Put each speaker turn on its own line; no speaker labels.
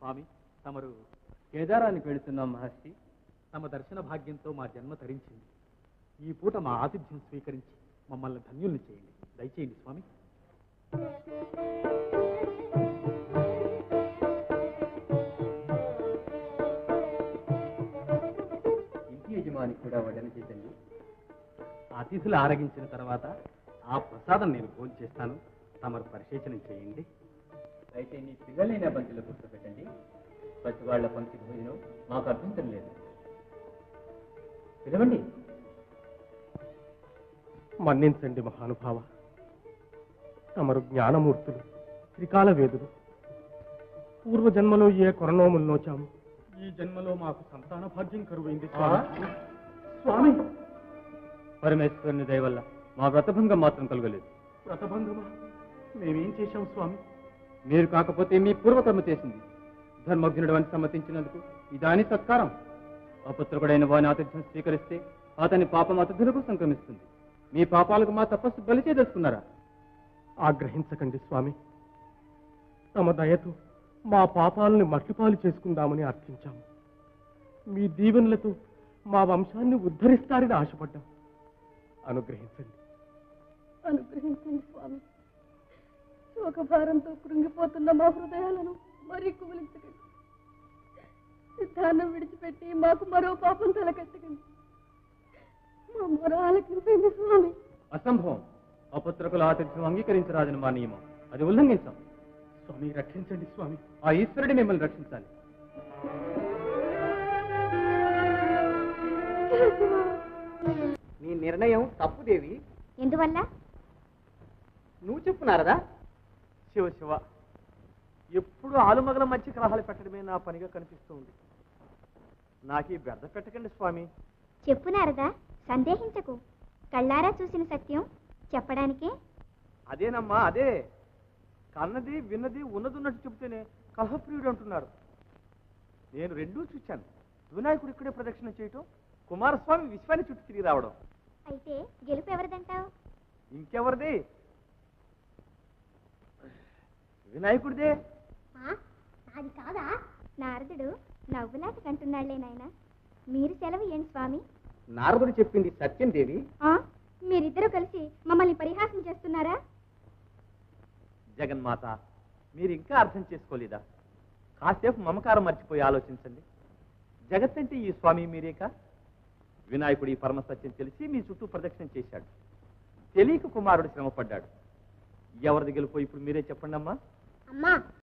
స్వామి, తమరు కేదారానికి వెళుతున్నాం మహర్షి. తమ దర్శన భాగ్యంతో మా జన్మ తరించింది. ఈ పూట మా ఆతిథ్యం స్వీకరించి మమ్మల్ని ధన్యుల్ని చేయండి. దయచేయండి స్వామి.
ఇంటి యజమాని కూడా వడ్డన చేతండి.
అతిథులు ఆరగించిన తర్వాత ఆ ప్రసాదం నేను భోజనం చేస్తాను. తమరు పరిశేచనం చేయండి.
అయితే మీ పిల్లలైన పంక్తిలో కూర్చోబెట్టండి. ప్రతి వాళ్ళ పంక్తి భోజనం మాకు అభ్యంతరం లేదు. పిలవండి.
మన్నించండి మహానుభావ. తమరు జ్ఞానమూర్తులు, త్రికాల వేదులు. పూర్వజన్మలో ఏ కొరనోములు నోచాము, ఈ జన్మలో మాకు సంతాన భాగ్యం కరువైంది
స్వామి.
పరమేశ్వరుని దయ వల్ల మా వ్రతభంగం మాత్రం కలగలేదు.
వ్రతభంగమా? మేమేం చేశాం స్వామి?
మీరు కాకపోతే మీ పూర్వకర్మ చేసింది. ధర్మజ్ఞుడు అని సమ్మతించినందుకు ఇదాని సత్కారం. అపుత్రకుడైన వాని ఆతిథ్యం స్వీకరిస్తే అతని పాపం అతిథులకు సంక్రమిస్తుంది. మీ పాపాలకు మా తపస్సు బలి చేయదలుచుకున్నారా?
ఆగ్రహించకండి స్వామి. తమ దయతో మా పాపాలని మట్టిపాలు చేసుకుందామని అర్థించాము. మీ దీవెనలతో మా వంశాన్ని ఉద్ధరిస్తారని ఆశపడ్డాం. అనుగ్రహించండి.
అనుగ్రహించండి స్వామి. శోకభారంతో కృంగిపోతున్న మా హృదయాలను మరీ కుమిలించకండి. సిద్ధాన్నం విడిచిపెట్టి మాకు మరో పాపం తలకెత్తకండి. మా మొర ఆలకించండి స్వామి.
అసంభవం. అపుత్రకుల ఆతిథ్యం అంగీకరించరాదని మా నియమం. అది ఉల్లంఘించాం.
స్వామి రక్షించండి స్వామి.
ఆ ఈశ్వరుడి మిమ్మల్ని రక్షించాలి.
నీ నిర్ణయం తప్పుదేవి.
ఎందువల్ల?
నువ్వు చెప్పు నారదా.
శివ శివ, ఎప్పుడు ఆలుమగల మధ్య కలహాలు పెట్టడమే నా పనిగా కనిపిస్తూ ఉంది. నాకీ బెర్ద పెట్టకండి స్వామి.
చెప్పు నారదా, సందేహించకు. కళ్ళారా చూసిన సత్యం చెప్పడానికే.
అదేనమ్మా, అదే. కన్నది విన్నది ఉన్నదున్నట్టు చెబితేనే కలహప్రియుడు అంటున్నారు. నేను రెండూ చూశాను. వినాయకుడు ఇక్కడే ప్రదక్షిణ చేయటం, కుమారస్వామి విశ్వాన్ని చుట్టూ తిరిగి రావడం.
అయితే గెలుపు ఎవరిదంటావు?
ఇంకెవరిది? వినాయకుడిదే.
అది కాదా? నారదుడు నవ్వులాట కంటున్నాళ్లే నాయన. మీరు సెలవు ఏంటి స్వామి?
నారదుడు చెప్పింది సత్యం దేవి.
మీరిద్దరూ కలిసి మమ్మల్ని పరిహాసం చేస్తున్నారా?
జగన్మాత, మీరు ఇంకా అర్థం చేసుకోలేదా? కాసేపు మమకారం మర్చిపోయి ఆలోచించండి. జగత్తంటే ఈ స్వామి మీరేక. వినాయకుడు ఈ పరమ సత్యం తెలిసి మీ చుట్టూ ప్రదక్షిణ చేశాడు. తెలియక కుమారుడు శ్రమపడ్డాడు. ఎవరిది గెలుపో ఇప్పుడు మీరే చెప్పండి అమ్మా.
అమ్మా,